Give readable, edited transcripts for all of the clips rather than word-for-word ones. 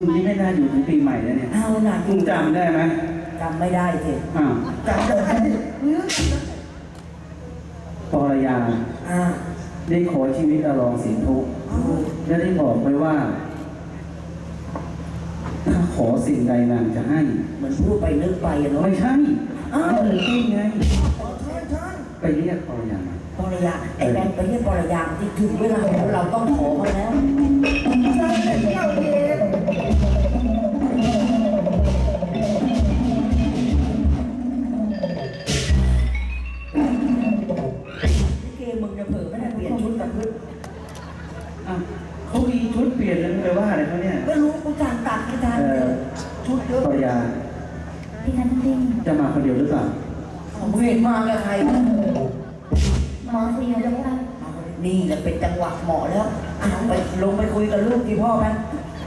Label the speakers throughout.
Speaker 1: คุณนี่ไม่น่าอยู่ถึงปีใหม่แล้วเนี่ย
Speaker 2: เอาหน่ะ
Speaker 1: คุณจำได้ไหม
Speaker 2: จำไม่ได้สิ
Speaker 1: อ้าว
Speaker 2: จำได้
Speaker 1: ปรยาได้ขอชีวิตอรองสินทุกและได้บอกไว้ว่าถ้าขอสิ่งใดนางจะให้
Speaker 2: เหมือนพูดไปนึกไปเนาะ
Speaker 1: ไม่ใช่นี่ไง
Speaker 2: ใช่
Speaker 1: ไปเรียกปรยา
Speaker 2: ปรยาไอ้แบงค์ไปเรียกปรยาที่ถึงเวลาเราต้องขอเขาแล้วใช่เราเองเกมมึงจะเผลอไม่ได้เปลี่ยนชุดกับพึ่ง
Speaker 1: เขามีชุดเปลี่ยนแล้วไปว่าอะไรเขาเนี่ย
Speaker 2: ไม่รู้กูจานตัดไม่ทันชุดเยอะ
Speaker 1: ปรยา
Speaker 3: พี่นันติง
Speaker 1: จะมาคนเดียวหรือเปล่า
Speaker 2: ผมเห็นมากับใคร
Speaker 3: มาคุยกันแล้วค่ะ
Speaker 2: นี่แหละเป็นจังหวะเหมาะแล้วไปลงไปคุยกับลูกที่พ่อกัน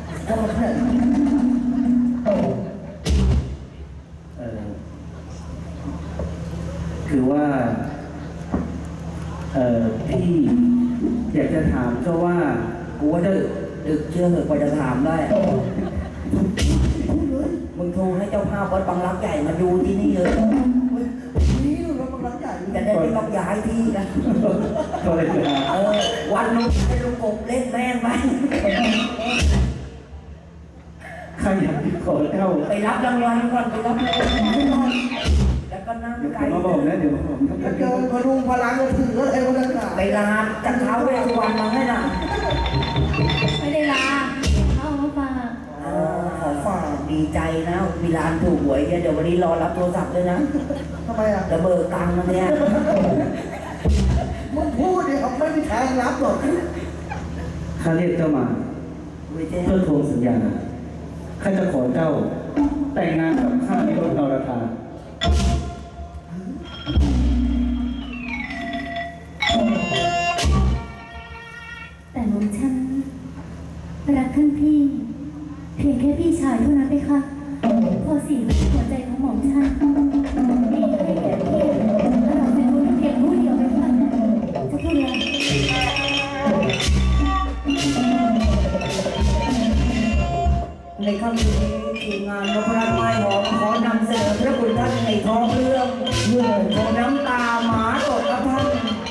Speaker 1: คือว่าพี่อยากจะถามเจ้าว่า
Speaker 2: กูว่าดึกเชื่อเหอะกว่าจะถามได้มึงโทรให้เจ้าภาพวัดบางรักใหญ่มาดูที่นี่เลยนี่วัดบางรักใหญ่จะได้ไม่ต้องย้ายที่กันวันนู้นให้ลุงกบเล่นแม่งไป
Speaker 1: ใครอยากขอเจ้า
Speaker 2: ไปรับรางวัลก่อนไปรับรางวัลแล้วก็นั่งไกล
Speaker 1: มาบอกนะเดี๋ยวผม
Speaker 2: ถ้าเจอพลุงพลังก็ถืออะไรก็ได้ไปลาจัดเท้าเวสสุวรรณมาให้หน่ะ
Speaker 3: ไม่ได้ลาเขามาฝาก
Speaker 2: ขอฝากดีใจนะมีร้านถูกหวยเดี๋ยววันนี้รอรับโทรศัพท์ด้วยนะทำไมอ่ะจะเบิกตังค์มาเนี่ยมึงพูดดิเขาไม่มีทางรับหรอก
Speaker 1: ข้าเรียกเจ้ามาเพื่อทวงสัญญาข้าจะขอเจ้าแต่งงานกับข้าในรถนรธา
Speaker 3: แต่หม่อมฉันรักท่านพี่เพียงแค่พี่ชายเท่านั้นเลยค่ะพอสิ่งหัวใจของหม่อมฉันมีให้แก่พี่เราเป็นคนเพียงผู้เดียวเลยค่ะจะพูดอะไร
Speaker 2: ในค่ำคืนนี้ทีมงานนพรัตน์ไม้หอมขอนำเสนอพระคุณท่านในท้องเรื่องเมื่อโชว์น้ำตาหมาตกกับท่าน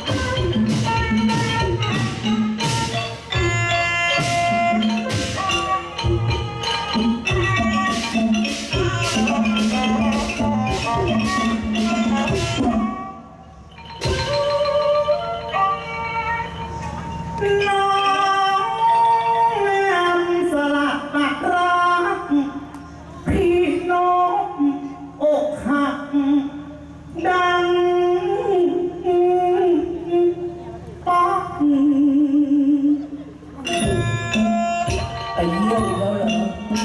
Speaker 2: ไปเยี่ยมแล้วเหรอ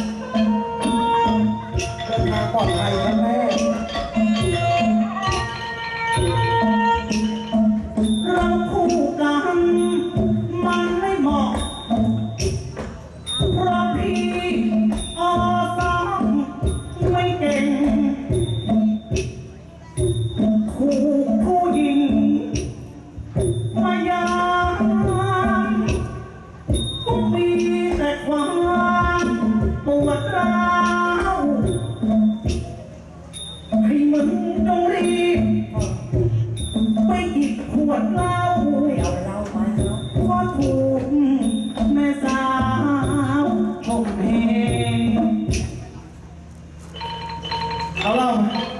Speaker 2: เดินทางปลอดภัยครับแม่เราคู่กันมันไม่เหมาะเพราะพี่อสามไม่เก่งถูกผู้หญิงมายามก็มีแต่ความปวดร้าวให้มึงต้องรีบไปหยิบขวดเหล้าเอาเหล้ามาเพราะถูกแม่สาวข่มเหงเอาเหล้ามา